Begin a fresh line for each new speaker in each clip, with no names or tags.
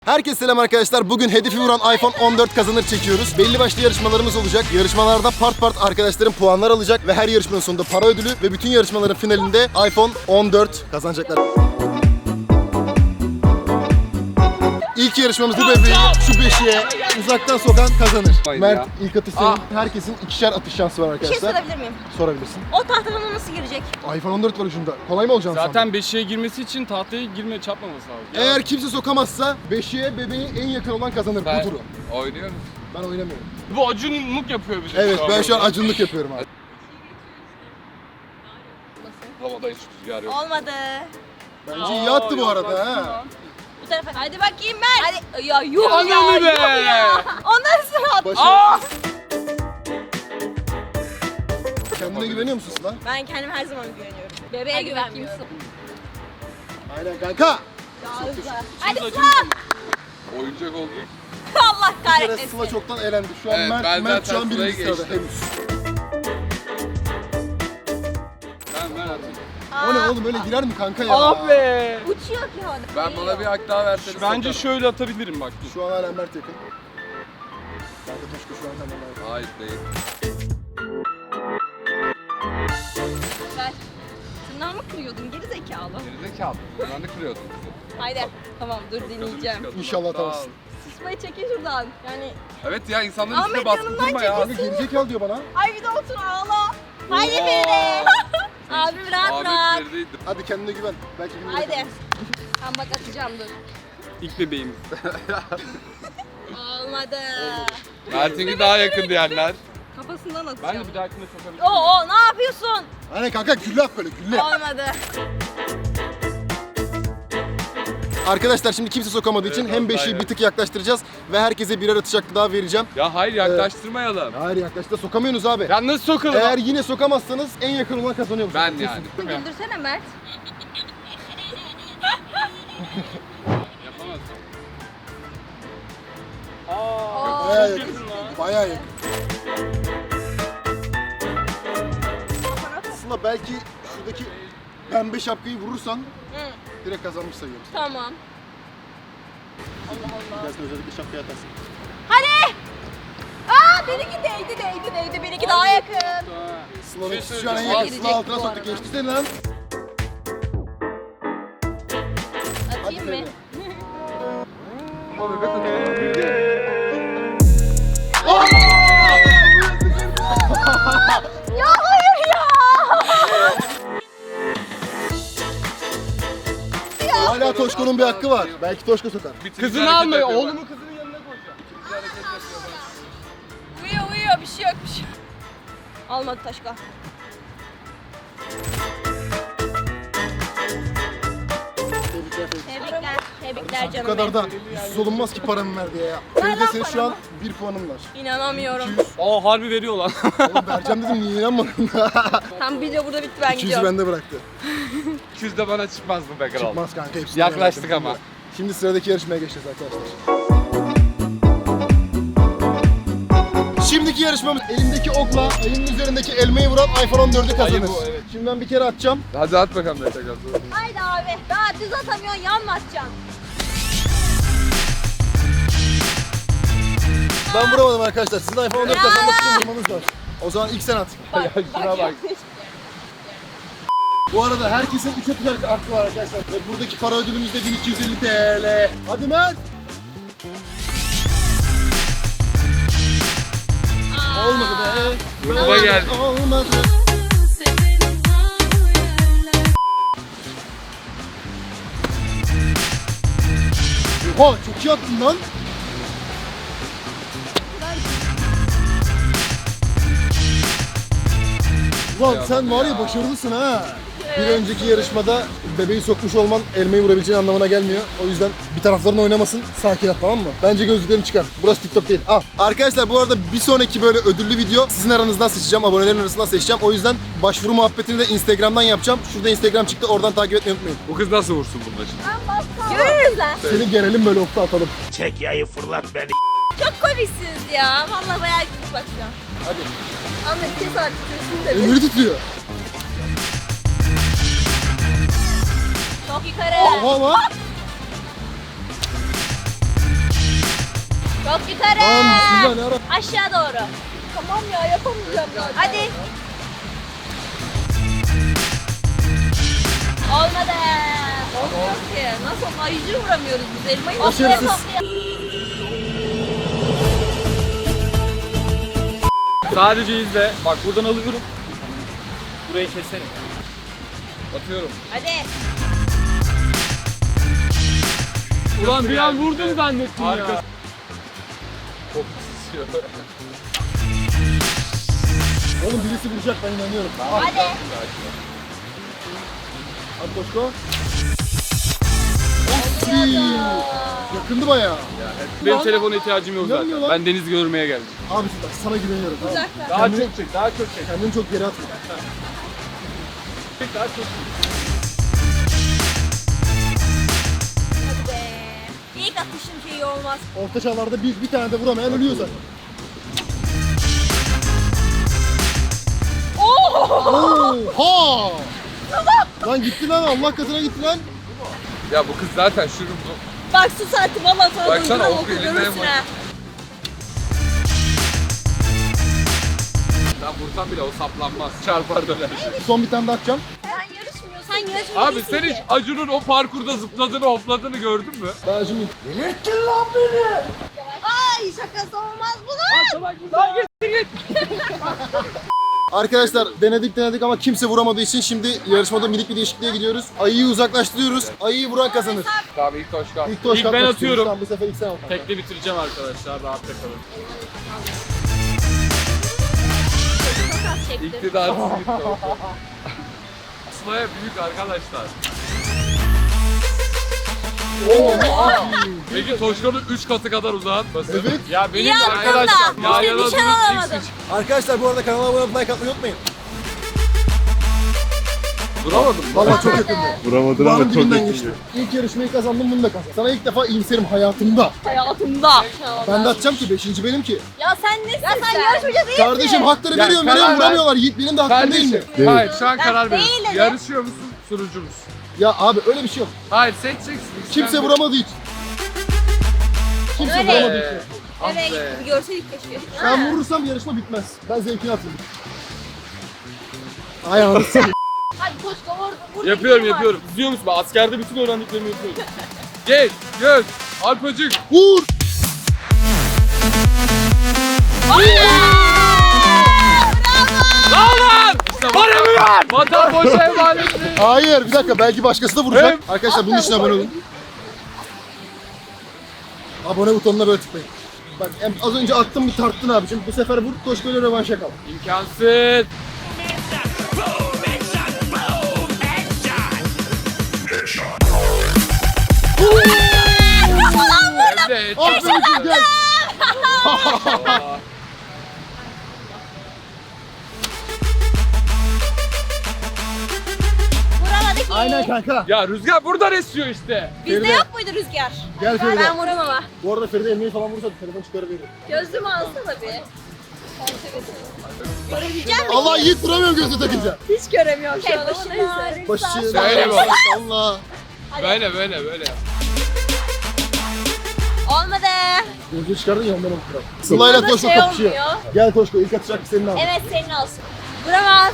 Herkese selam arkadaşlar. Bugün hedefi vuran iPhone 14 kazanır çekiyoruz. Belli başlı yarışmalarımız olacak. Yarışmalarda part arkadaşlarım puanlar alacak ve her yarışmanın sonunda para ödülü ve bütün yarışmaların finalinde iPhone 14 kazanacaklar. İlk yarışmamız bu bebeği şu beşiğe uzaktan sokan kazanır. Mert ilk atış senin. Herkesin ikişer atış şansı var
Bir şey
arkadaşlar.
sorabilir miyim?
Sorabilirsin.
O tahtadan nasıl girecek?
iPhone 14 var ucunda. Kolay mı olacağını sandın?
Zaten beşiğe girmesi için tahtaya çarpmaması lazım.
Eğer kimse sokamazsa beşiğe bebeği en yakın olan kazanır bu turu.
Oynuyoruz.
Ben oynamıyorum.
Bu acunluk yapıyor bize.
Evet ben şu an acunluk yapıyorum abi.
Havada hiç rüzgar yok.
Olmadı.
Bence iyi attı bu arada ha.
Bu tarafa. Hadi bakayım ben. Hadi. Ya yuh
Ananı
ya.
be!
Yuh ya. Ondan sonra at.
Başarı. Kendine güveniyor musun Sıla?
Ben kendime her zaman güveniyorum. Bebeğe güvenmiyorum.
Aynen kanka.
Hadi
acı
Sıla.
Oyuncak oldu.
Allah
Bir kere
kahretmesin.
Sıla çoktan elendi. Şu an
Evet, ben
Mert şu
zaten
an
Sıla'yı
birinci sırada
geçtim.
henüz.
Ben atayım.
O ne oğlum öyle girer mi kanka ya?
Ah be!
Uçuyor ki havada.
Ben bana bir hak daha verseniz.
Bence şöyle atabilirim bak.
Şu an hala Mert yakın. Kanka Toşko şu an hemen lazım.
Hayır değil.
Ver. Tırnağı mı kırıyordun geri zekalı?
Gerizekalı. Ben de kırıyordum.
Haydi. Tamam dur dinleyeceğim.
İnşallah atamazsın.
Sıçmayı çekin şuradan. Yani
Evet ya insanların
Ahmet
üstüne baskı
yanımdan
kurma ya.
Kanka gerizekalı diyor bana.
ay bir de otur ağla. Haydi Feride. Abim rahat
Ahmet
bırak.
neredeydi?
Hadi kendine güven. Belki bilmiyorum.
Haydi. Tamam bak atacağım dur.
İlk bebeğimiz.
Olmadı.
Mert'inki daha yakın diyenler.
Kafasından
Ben
atacağım.
de bir dahakine sokabilirim.
Oo ne yapıyorsun?
Aynen kanka gülle at böyle gülle.
Olmadı.
Arkadaşlar şimdi kimse sokamadığı için
Evet,
hem beşiği
aynen.
bir tık yaklaştıracağız ve herkese birer atış hakkı daha vereceğim.
Ya hayır yaklaştırmayalım.
Hayır yaklaştı sokamıyorsunuz abi.
Ya nasıl sokalım?
Eğer yine sokamazsanız en yakın olan kazanıyor. bu
Ben
sefer.
yani.
Güldürsene Mert.
Yapamazsın.
Bayağı
çok
yakın.
yakın lan.
Bayağı yakın. Aslında belki şuradaki pembe şapkayı vurursan
Hı,
direkt kazanmış sayıyoruz.
tamam. Allah Allah.
Dersin özellikle şapkayı atarsın.
Hadi. Aa benimki değdi. Benimki daha yakın.
Sıla'nın
Şey
şu an en
söyleyeceğim.
yakın. Sıla altına
bu
soktu.
arada.
Geçti seni lan.
Atayım mı? Ya hayır ya.
Hala Toşko'nun bir hakkı var. Belki Toşko sokar.
Kızını alma. Oğlumu kızının yanına koyacağım.
Uyuyor bir şey yok. Almadı Taşka. Tebrikler
Bu
canım
kadar
benim.
da yüzsüz olunmaz ki paramı ver diye ya.
Ver
Feride
lan
senin şu an 1 puanın var.
İnanamıyorum.
Aa harbi veriyor lan.
Oğlum vereceğim dedim niye inanmadın?
Tam video burada bitti ben
200'ü
gidiyorum.
bende bıraktı.
200 de bana çıkmaz mı be kral?
Çıkmaz kanka hepsini.
Yaklaştık
merak etme.
ama.
Şimdi sıradaki yarışmaya geçeceğiz arkadaşlar. Şimdiki yarışmamız elimdeki okla elimin üzerindeki elmayı vuran iPhone 14'ü kazanır.
Ayı bu, evet.
Şimdi ben bir kere atacağım.
Hadi at bakalım ne tekrar.
Haydi abi. Daha düz atamıyorsun yan mı atacaksın?
Ben vuramadım arkadaşlar. Sizin iPhone 14 kazanmak için vurmanız lazım. O zaman ilk sen at.
Şuna bak.
Bu arada herkesin 3 atacak hakkı var arkadaşlar. Ve buradaki para ödülümüz de 1250 TL. Hadi Mert. Olmadı be.
Gruba geldi.
Olmadı. Oha çok iyi attın lan. Ulan sen var ya başarılısın ha. Bir önceki yarışmada bebeği sokmuş olman elmayı vurabileceğin anlamına gelmiyor. O yüzden bir tarafların oynamasın. Sakin ol tamam mı? Bence gözlüklerini çıkar. Burası TikTok değil. Al. Arkadaşlar bu arada bir sonraki böyle ödüllü video sizin aranızdan seçeceğim. Abonelerin arasından seçeceğim. O yüzden başvuru muhabbetini de Instagram'dan yapacağım. Şurada Instagram çıktı. Oradan takip etmeyi unutmayın.
Bu kız nasıl vursun bunun için?
Görürüz lan.
Seni gelelim böyle okta atalım.
Çek yayı fırlat beni.
Çok komiksiniz ya. Vallahi bayağı gittik bak şu an.
Hadi.
Ahmet kes artık sesini de bir.
Elleri titriyor.
Çok yukarı.
Oha lan.
Çok yukarı.
Tamam bismillah ne ara.
Aşağı doğru. Tamam ya yapamayacağım zaten. Hadi. Olmadı. Olmuyor ki. Nasıl ayıcı vuramıyoruz biz elmayı?
Başarısız.
Sadece izle. Bak buradan alıyorum. Burayı keserim.
Atıyorum.
Hadi.
Ulan bir an vurdum zannettim ya.
Arka. Çok sisiyor.
Oğlum birisi vuracak ben inanıyorum.
Hadi.
Hadi Toşko. Yakındı bayağı.
Benim telefona ihtiyacım yok
İnanmıyor
zaten.
lan.
Ben deniz görmeye geldim.
Abi bak sana güveniyorum. Tamam. mı?
Uzaklar.
Daha çok çek, daha çok çek.
Kendini çok geri atma.
Çek daha çok çek.
Hadi be. İlk atışım şeyi olmaz.
Orta çağlarda bir tane de vuramayan ölüyor zaten. Oha! Lan gitti lan Allah katına gitti lan.
Ya bu kız zaten şunu
Bak su saati valla sana
Baksana,
duyguran
o
oku
elinden
görürsün
bak.
ha.
ben vursam bile o saplanmaz. Çarpar döner.
Son bir tane daha atacağım.
Sen yarışmıyorsun. Sen yarışmıyorsun.
Abi sen hiç Acun'un o parkurda zıpladığını hopladığını gördün mü?
Ben şimdi
Ay şakası olmaz bunun.
arkadaşlar denedik ama kimse vuramadığı için şimdi yarışmada minik bir değişikliğe gidiyoruz. Ayıyı uzaklaştırıyoruz. Ayıyı vuran kazanır.
Tamam ilk Toşka.
İlk Toşko
İlk ben
atmak
atıyorum.
istiyoruz. Tamam, bu sefer ilk sen at.
Tekli bitireceğim arkadaşlar. Rahatta kalın.
Çok az çektim.
İktidarsız gitti o. Aslaya büyük arkadaşlar. Peki Toşka'nın 3 katı kadar uzatması.
Evet.
Ya benim
İyi
de
attın
arkadaşlar.
da.
Ya
İşte
yana
nişan
durun,
alamadım.
X3.
Arkadaşlar bu arada kanala abone olup like atmayı unutmayın.
Duramadım.
Vallahi çok yakındı.
Vuramadın
Kulağımın
ama çok
dibinden
yakın.
geçti. İlk yarışmayı kazandım bunu da kazandım. Sana ilk defa iyimserim hayatımda.
Hayatımda.
Ben de atacağım ki 5. benim ki.
Ya sen nesin? Ya sen yarışmacı değilsin.
Kardeşim hakları
Ya
veriyorum
karar ver.
vuramıyorlar. Yiğit benim de hakkım değil mi?
Kardeşim. Hayır şu an
Ben
karar verin.
değilim.
Yarışıyor musun? Sunucu musun?
Ya abi öyle bir şey yok.
Hayır seçeceksin.
Kimse
Sen-
vuramadı hiç. Kimse
Öyle.
vuramadı hiç.
Ah
Nereye
be.
gitti bir görseydik keşke.
Ben vurursam yarışma bitmez. Ben zevkini atayım. Ayağını sıkayım.
Hadi koş vur.
Yapıyorum. İzliyor musun? Ben askerde bütün öğrendiklerimi yapıyorum.
Geç, göz, Alpacık.
Vur!
Lan!
İşte
Varamıyor!
vatan boşa emanet değil.
Hayır bir dakika belki başkası da vuracak. Arkadaşlar bunun için abone olun. Abone butonuna böyle tıklayın. Bak az önce attım bir tarttın abicim. Bu sefer vur koş böyle rövanşa kal.
İmkansız.
Evet.
Aferin gel.
Vuramadık ki.
Aynen kanka.
Ya rüzgar buradan esiyor işte.
Bizde
Feride.
yok muydu rüzgar?
Gel Feride.
Ben vururum ama.
Bu arada Feride elmeyi falan vursa telefon çıkarır verir.
Gözlüğümü alsana bir. Görebilecek misin?
Allah Yiğit vuramıyorum gözü takınca.
Hiç göremiyorum şu an ama neyse.
Başı.
Söyle bak.
Allah.
Böyle.
Olmadı.
Gözü çıkardın ya ondan okuyorum. Sıla'yla
Burada
Toşko
şey
kapışıyor.
olmuyor.
Gel Toşko ilk atacak senin abi.
Evet senin olsun. Vuramaz.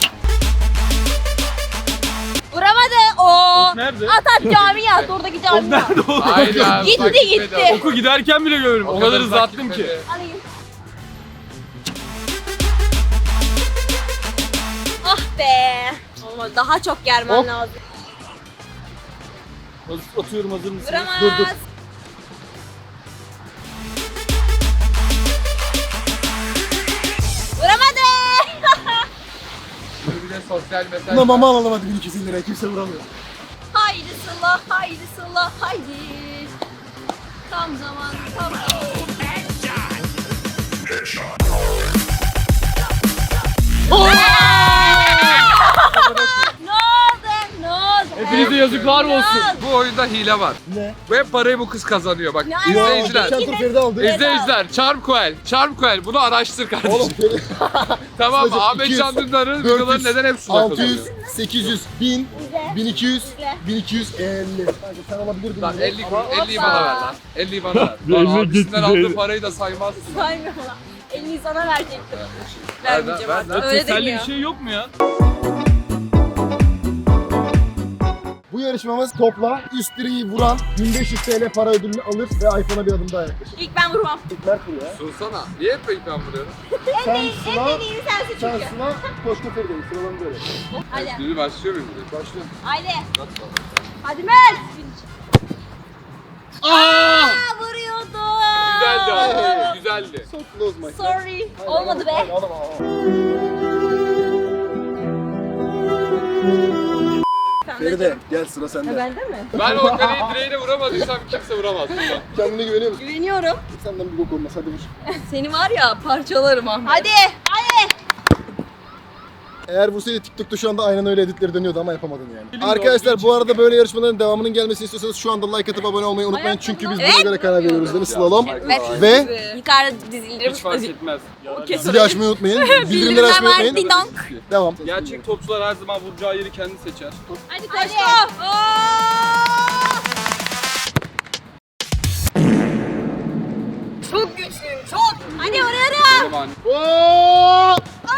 Vuramadı. Oo.
Nerede?
At cami at. Oradaki cami at.
Nerede o?
Aynen.
Gitti,
takip
gitti.
ediyorum.
Oku giderken bile görüyorum. O kadar hızlı
takip
attım ki.
ediyorum.
Alayım. Ah be. Olmadı. Daha çok germen
Hop.
lazım.
Atıyorum, hazır mısın?
Vuramaz.
Dur.
Vuramadı.
Bir de sosyal mesaj.
Buna mama alalım hadi 1200 liraya kimse vuramıyor.
Haydi Sıla, haydi Sıla, haydi. Tam zaman, tam Ne oldu? Ne oldu?
Hepinize yazıklar olsun.
Bu oyunda hile var.
Ne?
Ve parayı bu kız kazanıyor bak.
Ne
İzleyiciler.
Geçen tur Feride aldı.
İzleyiciler, Charmcoel bunu araştır kardeşim.
Oğlum Feride.
Tamam mı?
Sadece
Ahmet
200,
Can Dündar'ın
400,
videoların neden hep suda
600,
kalıyor?
800, 1000, 1200, 1250. Kanka sen alabilirdin.
Lan
bunu.
50'yi bana ver lan. 50'yi bana ver. Lan abisinden aldığı parayı da saymazsın.
Saymıyorum lan. 50'yi sana verecektim.
Ver,
Vermeyeceğim
ver,
artık.
ver.
Öyle
Teselli bir
demiyor.
şey yok mu ya?
Bu yarışmamız topla üst direği vuran 1500 TL para ödülünü alır ve iPhone'a bir adım daha yaklaşır.
İlk ben vurmam.
İlk Mert vuruyor ya.
Sunsana. Niye hep ben vuruyorum?
Sen
En
Sıla,
dediğini sensin
sen
çünkü.
Sıla, Koşka Feride'yi sıralanı böyle.
Hadi.
Şimdi başlıyor muyum direkt?
Başlıyor.
Haydi. Hadi Mert.
Aa!
Vuruyordum.
Güzeldi abi. Güzeldi.
So close my friend.
Sorry. Olmadı be.
Hayır, alamam. Feride gel sıra sende.
Bende mi?
Ben o kaleyi direğine vuramadıysam kimse vuramaz. burada.
Kendine güveniyor musun?
Güveniyorum.
Senden bir bok olmaz hadi vur.
Seni var ya parçalarım Ahmet. Hadi. Hadi.
Eğer vursaydı TikTok'ta şu anda aynen öyle editleri dönüyordu ama yapamadın yani. Arkadaşlar bu arada böyle yarışmaların devamının gelmesini istiyorsanız şu anda like atıp abone olmayı unutmayın. Çünkü biz buna göre karar veriyoruz değil mi Slalom?
Evet.
Ve
Yukarıda dizilerim.
Hiç fark etmez.
zili açmayı unutmayın. Bildirimleri açmayı
var.
unutmayın.
Ding dong.
Devam.
Gerçek topçular her zaman vuracağı yeri kendi seçer.
Hadi koş. Çok güçlüyüm çok. Hadi vuruyorum.
Benim hani.
Oo!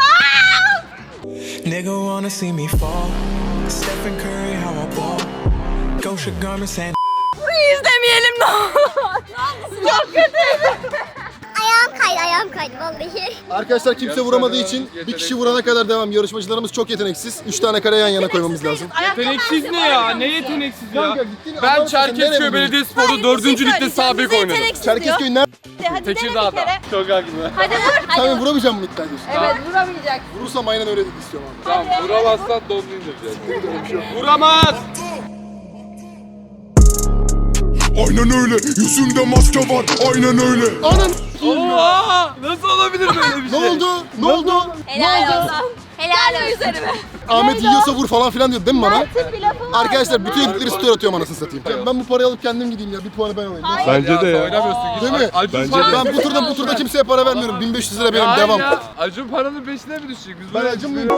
Nigga wanna see me fall. Stephen Curry, how I ball. Gosha garments and
Burayı izlemeyelim ne olur. Çok kötüydü.
Ayağım kaydı vallahi.
Arkadaşlar kimse vuramadığı için bir kişi vurana kadar devam. Yarışmacılarımız çok yeteneksiz. 3 tane kare yan yana koymamız lazım.
Yeteneksiz ne ya? Ne yeteneksiz ya?
Kanka gittin
Ben
adam sen nereye
Çerkezköy
buldun?
Belediyespor'da 4. ligde sabit oynadım.
Çerkezköy nerede?
Hadi dene bir
Tekirdağ'da.
kere.
Çok haklı.
Hadi vur. Hadi
Sen
vur.
vuramayacağım mı iddia ediyorsun?
Evet vuramayacak.
Vurursam aynen öyle istiyorum abi.
Tamam vuramazsan donunu indireceğiz.
Vuramaz!
Aynen öyle. Yüzümde maske var. Aynen öyle.
Anan!
Oha! Nasıl olabilir böyle bir
Ne
şey?
oldu? Ne oldu?
Helal olsun. Helal olsun. Üzerime.
Ahmet yiyorsa vur falan filan diyor değil mi bana?
Mert'in bir lafı var.
Arkadaşlar bütün editleri story atıyorum anasını satayım. Ben bu parayı alıp kendim gideyim ya. Bir puanı ben alayım.
Bence de ya.
Oynamıyorsun.
Değil mi?
Acun
Ben bu turda kimseye para vermiyorum. 1500 lira benim
Ya
devam.
ya, Acun paranın peşine mi düşecek? Biz
Ben
böyle
acımlıyım.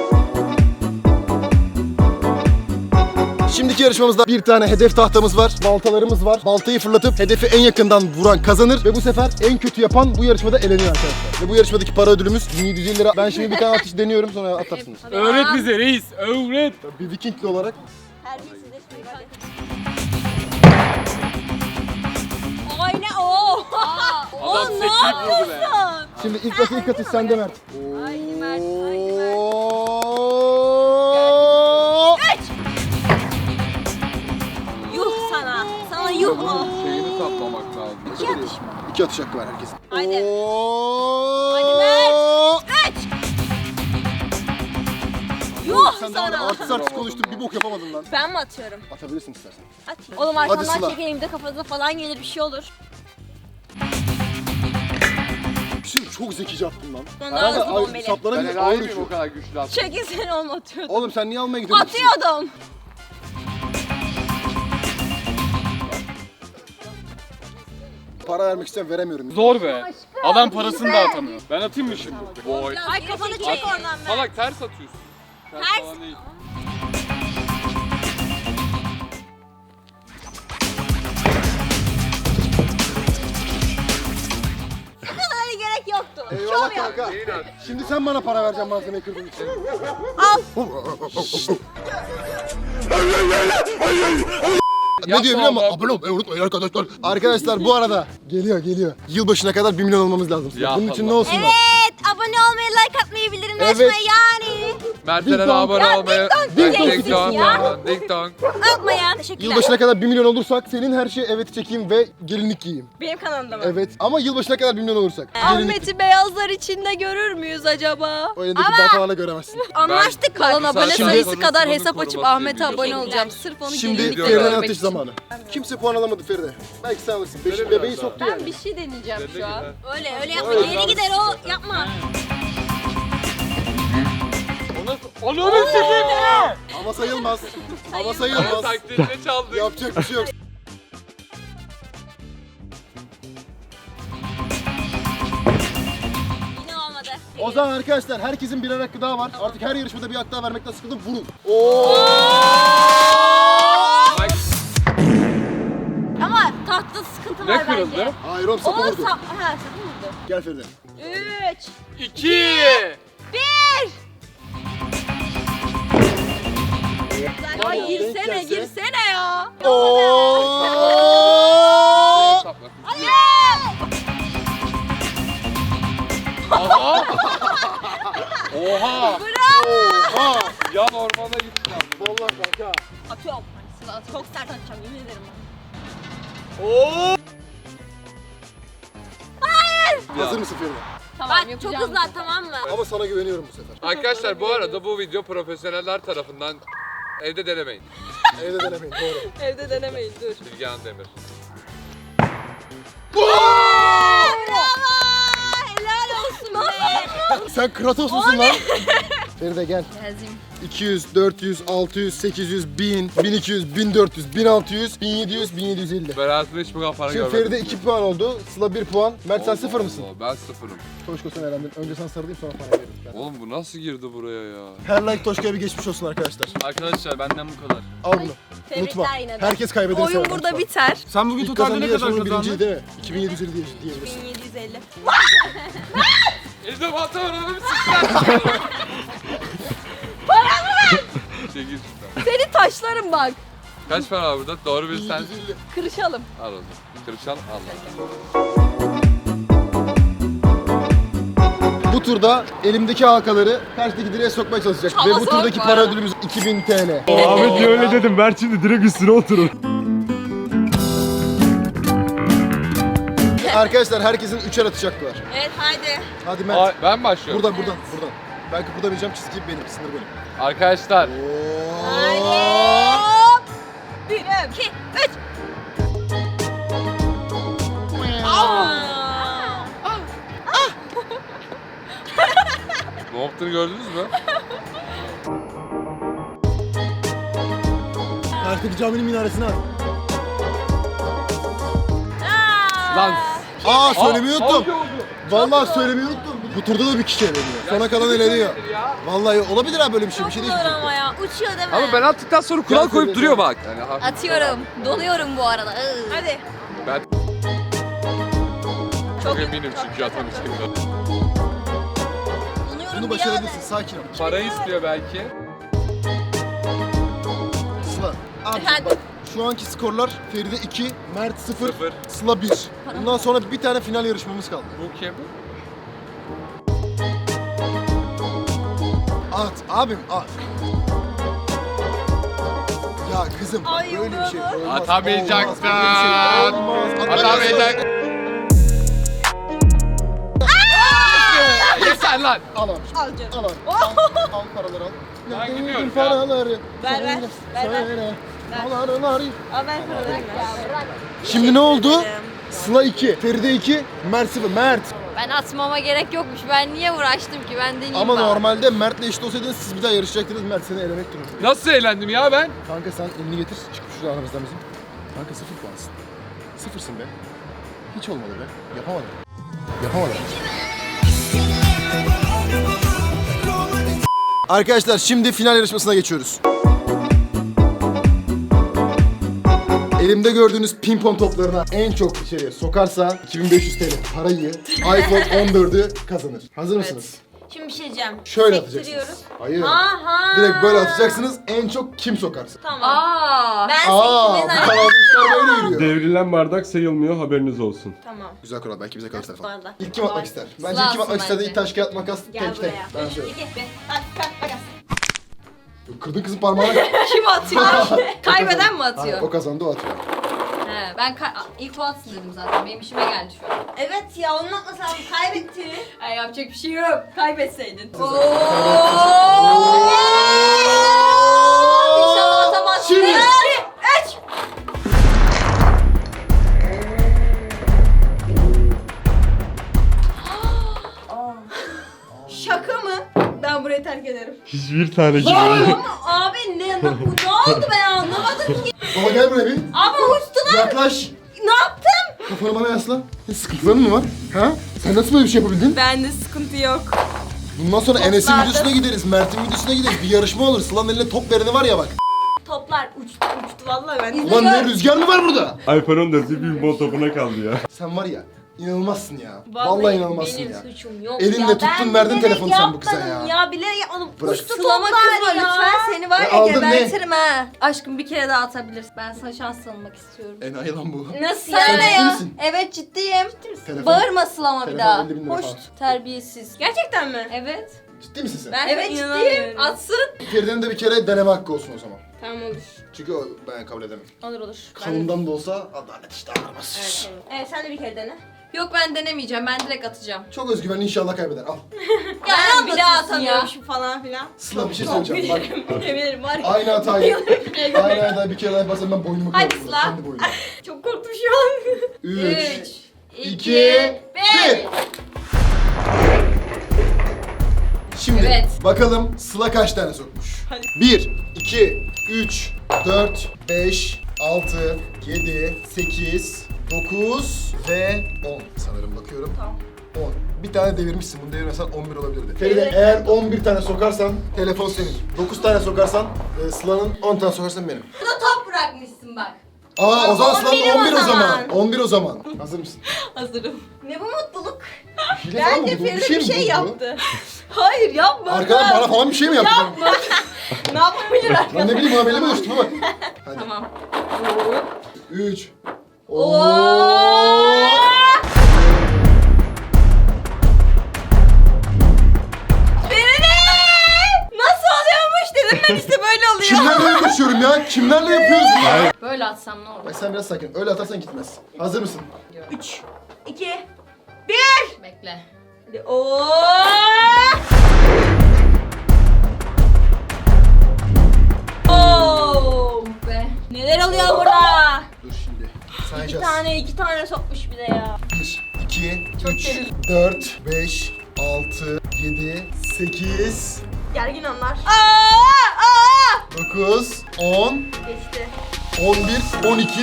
Şimdiki yarışmamızda bir tane hedef tahtamız var, baltalarımız var. Baltayı fırlatıp hedefi en yakından vuran kazanır ve bu sefer en kötü yapan bu yarışmada eleniyor arkadaşlar. Ve bu yarışmadaki para ödülümüz 1750 lira. Ben şimdi bir tane atış deniyorum sonra atarsınız.
Öğret bize reis, öğret.
Bir Vikingli olarak
Terbiyesizleşmeyin hadi. Aynen o.
Adam sektirip vurdu be.
şimdi ilk atış sende Mert.
Haydi Mert. Haydi Mert. Yuh sana. Sana yuh mu?
Şeyini saplamak lazım.
İki atış hakkı var herkesin.
Haydi.
Hadi
Mert. Yuh
Sen de var ya,
sana.
artist konuştun bir bok yapamadın lan.
Ben mi atıyorum?
Atabilirsin istersen.
Atayım. Oğlum
Sıla.
arkamdan çekeyim de kafanıza falan gelir bir şey olur.
Bir şey çok zekice attın lan.
Ben daha hızlı bombeli.
Saplara
Ben
bir
enayi
ağır
miyim o
uçuyor.
kadar güçlü attım?
Çekin seni oğlum atıyordum.
Oğlum sen niye almaya gidiyorsun?
Atıyordum.
Para vermek isteyen veremiyorum.
Zor be. Adam parasını da atamıyor. Ben atayım mı şimdi?
Boy.
Ay kafanı çek oradan Mert.
Salak ters atıyorsun.
Ters.
falan değil.
Hadi gerek yoktu.
Eyvallah
Şov yap.
kanka. Şimdi sen bana para vereceksin malzemeyi kırdığın için. Ne diyor biliyor musun?
oğlum.
Abone olmayı unutmayın arkadaşlar. Arkadaşlar bu arada geliyor. Yılbaşına kadar 1 milyon olmamız lazım.
Ya
Bunun için
Allah.
ne olsun lan?
Evet, abone olmayı, like atmayı, bildirimleri
Evet.
açmayı yani.
Mert'lere
Ding dong.
abone
Ya,
olmayı.
ding dong
Ding
diyeceksin
dong.
ya.
Ding dong.
Unutmayın. Teşekkürler.
Yılbaşına kadar 1 milyon olursak senin her şeye evet çekeyim ve gelinlik giyeyim.
Benim kanalımda mı?
Evet ama yılbaşına kadar 1 milyon olursak. Gelinlik.
Ahmet'i beyazlar içinde görür müyüz acaba?
O elindeki baltalarla göremezsin.
Anlaştık
Kalan
kalan
abone
abone
Şimdi-
sayısı kadar
Sonunu
hesap açıp
koruması
Ahmet'e
diye
abone
biliyorum.
olacağım. Sırf onu
Şimdi
gelinlikle
Feride'nin
görmek
atış
için.
zamanı. Kimse puan alamadı Feride. Belki sen alırsın. Bebeği soktu yani.
Bir şey deneyeceğim
Dede
şu an.
gibi.
Öyle yapma.
Öyle.
Geri gider o. Yapma.
Onu sikeyim ya!
Ama sayılmaz. Ama
Ama
sayılmaz.
taklidini çaldık.
Yapacak bir şey yok.
Yine olmadı.
O zaman arkadaşlar herkesin birer hakkı daha var. Artık her yarışmada bir hak daha vermekten sıkıldım. Vurun. Oo!
kırıldı.
Hayır oğlum sapı
Oğlum
vurdu.
ha sapı vurdu.
Gel Feride.
3
2
1
Var
Ay
ya, denk
girsene
gelse.
girsene ya.
Oo!
Sapla.
Aha! Oha!
Oha!
Ya normale gitti abi.
Vallahi kanka.
Atıyorum. Çok sert atacağım yemin ederim.
Hazır mısın Feride?
Tamam, bak çok hızlı at, tamam mı?
Ama sana güveniyorum bu sefer.
Arkadaşlar bu arada bu video profesyoneller tarafından evde denemeyin.
Evde denemeyin doğru.
Evde denemeyin dur.
Bilgehan Demir.
Bravo! Helal olsun be.
Sen Kratos musun lan? Feride gel.
Yazayım.
200, 400, 600, 800, 1000, 1200, 1400, 1600, 1700, 1750.
Ben hayatımda hiç bu kadar para
Şimdi
görmedim.
Feride 2 puan oldu. Sıla 1 puan. Mert sen 0 mısın?
Allah, ben sıfırım.
Toşko sen elendin. Önce sen sarılayım sonra para veririm. Ben.
Oğlum bu nasıl girdi buraya ya?
Her like Toşko'ya bir geçmiş olsun arkadaşlar.
Arkadaşlar benden bu kadar.
Al bunu.
Tebrikler
Unutma.
yine de.
Herkes kaybeder.
Oyun burada biter.
Sen bugün
İlk
totalde
kazandığı
ne kadar
yarışmanın birinci
kazandın?
değil mi? 2750 diyebilirsin.
1750.
İşte balta var onu bir sıçrar. Çekil şuradan.
Seni taşlarım bak.
Kaç para var burada? Doğru bilsen
1750.
Kırışalım.
al onu. Kırışan Allah.
Bu turda elimdeki halkaları karşıdaki direğe sokmaya çalışacak.
Ama
Ve bu turdaki
sokma.
para ödülümüz 2000 TL.
Ahmet niye öyle dedim? Mert şimdi direkt üstüne oturun.
Arkadaşlar herkesin 3'er atacaklar.
Evet haydi.
Hadi Mert.
Ay, ben başlıyorum.
Buradan. Ben kıpırdamayacağım, çizgi benim, sınır benim.
Arkadaşlar
Haydi.
Oo.
Hop. 1, 2, 3.
ne yaptığını gördünüz mü?
Karşıdaki caminin minaresine at.
Lan.
Aa söylemeyi unuttum.
Hangi oldu?
Vallahi söylemeyi unuttum. Bu turda da bir kişi eleniyor. Sona kalan eleniyor. Vallahi olabilir ha böyle bir şey. Bir şey değil.
Zor ama ya. Uçuyor değil mi?
Ama ben attıktan sonra kural
Gel
koyup
söyle,
duruyor
söyle.
bak. Yani hafif-
Atıyorum. Donuyorum bu arada. Hadi.
Ben
Çok
çok eminim çünkü atamayacağımdan.
Donuyorum
Bunu
bir
başarabilirsin. Sakin ol.
Para istiyor belki.
Sıla. Abi
Efendim?
bak. Şu anki skorlar Feride 2, Mert 0,
Sıfır.
Sıla 1. Bundan sonra bir tane final yarışmamız kaldı.
Bu kim?
At abim at. Ya kızım bak
Ay,
böyle bir şey
olmadı.
olmaz.
Atamayacaksın.
Olmaz, böyle bir şey olmaz.
Atamayacak. Yeter lan.
Al abi.
Al canım.
Al abi. Al paraları al.
Ben
Nerede
gidiyorum
buldun
ya.
paraları?
Ver, ver. Ver, ver.
Söyle. Paraları.
Al ben paralarımı.
Şimdi ne oldu? Sıla 2, Feride 2, Mert 0. Mert.
Ben atmama gerek yokmuş. Ben niye uğraştım ki? Ben deneyeyim
Ama
bari.
normalde Mert'le eşit olsaydınız siz bir daha yarışacaktınız. Mert seni elemek durumunda.
Nasıl eğlendim ya ben?
Kanka sen elini getir. Çık şuradan aramızdan bizim. Kanka 0 puansın. 0'sın be. Hiç olmadı be. Yapamadın. Yapamadın. Arkadaşlar şimdi final yarışmasına geçiyoruz. Elimde gördüğünüz pimpon toplarına en çok içeriye sokarsa 2500 TL parayı iPhone 14'ü kazanır. Hazır mısınız?
Şimdi bir şey diyeceğim.
Şöyle
Sektiriyoruz.
atacaksınız. Hayır.
Aha.
Direkt böyle atacaksınız. En çok kim sokarsa.
Tamam. Ben
Aa, bu
sektirmeden...
kanalda işler böyle yürüyor.
Devrilen bardak sayılmıyor, haberiniz olsun.
Tamam.
Güzel kural. Belki bize kalırsa falan.
Sonra.
İlk kim atmak ister? Bence
Sıla
ilk kim atmak
atsın
ister de
bence.
ilk taş kağıt makas
Gel
tek tek.
buraya.
Ben
3, 2, 1.
söyleyeyim.
Makas.
Kırdın kızın parmağını.
Kim atıyor? Kaybeden mi atıyor?
O kazandı o atıyor.
He, ben ilk o atsın dedim zaten. Benim işime geldi şu an. Evet ya onun atmasam kaybetti. Ay yapacak bir şey yok. Kaybetseydin. İnşallah atamazsın.
Şimdi.
3. Şaka mı? Ben burayı terk ederim.
Hiçbir tane gibi.
Ama abi ne oldu ben anlamadım ki.
Baba gel buraya bir.
Ama uçtular.
Yaklaş.
Ne yaptım?
Kafanı bana yasla. Sıkıntıların mı var? Ha? Sen nasıl böyle bir şey yapabildin?
Bende sıkıntı yok.
Bundan sonra Enes'in
Toplarda-
videosuna gideriz, Mert'in videosuna gideriz. Bir yarışma olur. Sıla'nın eline top vereni var ya bak.
Toplar uçtu. vallahi ben.
Ulan ne rüzgar mı var burada?
iPhone 14 bir pimpon topuna kaldı ya.
Sen var ya inanılmazsın ya. Vallahi inanılmazsın
benim
ya.
suçum yok
Elinle
ya.
tuttun,
Ben
verdin
bilerek
telefonu sen bu kıza
yapmadım
ya.
bilerek yapmadım.
Bırak.
Sılama kızma lütfen, seni var ya
aldın ne?
gebertirim ha. Aşkım bir kere daha atabilirsin. Ben sana şans tanımak istiyorum.
Enayi lan bu.
Nasıl
Sen
yani
ciddi
ya?
misin?
Evet ciddiyim.
Telefon-
Bağırma Sılama bir
telefon
daha.
50 bin lira
Hoş
falan.
terbiyesiz. Gerçekten mi? Evet.
Ciddi misin sen?
Ben evet ciddiyim. Atsın.
Feride'nin de bir kere deneme hakkı olsun o zaman.
Tamam olur.
Çünkü o ben kabul edemem.
Olur olur.
Kanından da olsa adalet işte aramaz.
Evet, evet sen de bir kere dene. Yok ben denemeyeceğim. Ben direkt atacağım.
Çok özgüvenli inşallah kaybeder. Al.
Ya ben bir daha atamıyormuşum falan filan.
Sıla bir şey söyleyeceğim. Bak
Eminim var ya.
aynı hatayı. Aynı hatayı bir kere daha yaparsan ben boynumu
Hadi
kırarım.
Sıla.
Kendi boynumu.
Çok korktum şu an.
3,
2,
2,
1.
1. Şimdi
Evet.
bakalım Sıla kaç tane sokmuş? 1, 2, 3, 4, 5, 6, 7, 8, 9 ve 10. Sanırım bakıyorum.
Tamam.
10. Bir tane devirmişsin. Bunu devirmesen 11 olabilirdi. Feride eğer 11 tane sokarsan telefon senin. 9 tane sokarsan Sıla'nın, 10 tane sokarsan benim.
Burada top bırakmışsın bak.
Aa o zaman
11
Sıla'nın 11 o
o
zaman.
zaman.
11 o zaman. Hazır mısın?
Hazırım. Ne bu mutluluk?
Hile falan mı
Bence
buldu?
Feride bir
mi
şey
buldu?
yaptı. Hayır yapmadı.
Arkadan bana falan bir şey mi yaptı?
Yapma. Ne yapabilir
Lan
arkadan?
ne bileyim bana belli mi düştü bak. Hadi.
Tamam.
3.
Feride! Nasıl oluyormuş dedim ben işte böyle oluyor.
Kimlerle yaklaşıyorum ya? Kimlerle yapıyoruz bunu?
Böyle atsam ne olur?
Bak sen biraz sakin. Öyle atarsan gitmez. Hazır mısın?
3, 2, 1. Bekle. Hadi. Be. Neler oluyor burada?
Dur şimdi.
İki
Sayacağız.
iki tane sokmuş bir de ya.
1, 2,
Çok
3,
derin.
4, 5, 6, 7, 8,
Gergin onlar.
9, 10,
Geçti.
11, 12.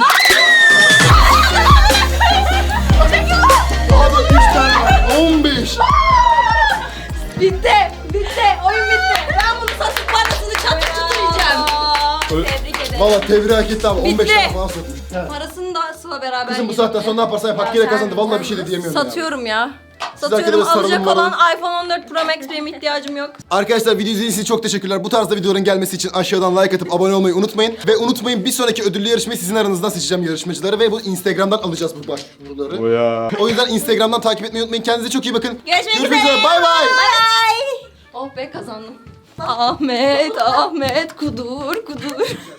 Abi 3 tane var. 15.
Bitti. Bitti. Oyun bitti. Ben bunu satıp parasını çatır çatır yiyeceğim. Tebrik ederim.
Valla tebrik hak etti abi. 15
Bitti.
tane falan sokmuş. He.
Parasını da Sıla beraber
Kızım bu
yedik.
saatten sonra ne yaparsan yap. Hakkıyla kazandı. Valla bir şey de diyemiyorum ya.
Satıyorum ya.
arkadaşlar
Satıyorum. Alacak
sarılın
olan
bana.
iPhone 14 Pro Max benim ihtiyacım yok.
Arkadaşlar video izlediğiniz için çok teşekkürler. Bu tarzda videoların gelmesi için aşağıdan like atıp abone olmayı unutmayın. Ve unutmayın bir sonraki ödüllü yarışmayı sizin aranızdan seçeceğim yarışmacıları. Ve bu Instagram'dan alacağız bu başvuruları.
O ya.
O yüzden Instagram'dan takip etmeyi unutmayın. Kendinize çok iyi bakın.
Görüşmek üzere.
Bay bay.
Bye. Oh be kazandım. Ahmet, Ahmet kudur kudur.